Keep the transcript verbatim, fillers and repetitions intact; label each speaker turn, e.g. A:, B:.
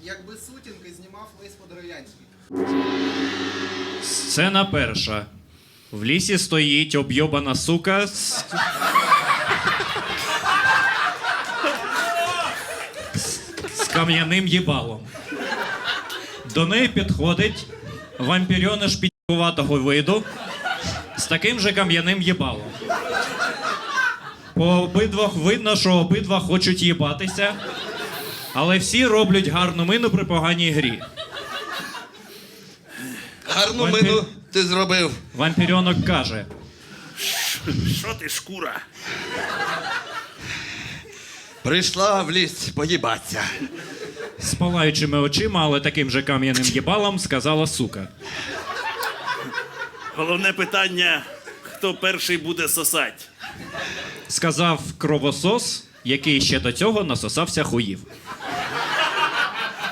A: якби сутінки знімав Лесь Подоров'янський.
B: Сцена перша. В лісі стоїть об'єбана сука з... з кам'яним їбалом. До неї підходить вампірьониш підкуватого виду з таким же кам'яним їбалом. По обидвох видно, що обидва хочуть їбатися, але всі роблять гарну мину при поганій грі.
C: Гарну
B: Вампір...
C: мину ти зробив.
B: Вампірьонок каже:
D: Що ти, шкура?
C: Прийшла в ліс поїбатися.
B: з палаючими очима, але таким же кам'яним їбалом, сказала сука.
D: Головне питання, хто перший буде сосать.
B: Сказав кровосос, який ще до цього насосався хуїв.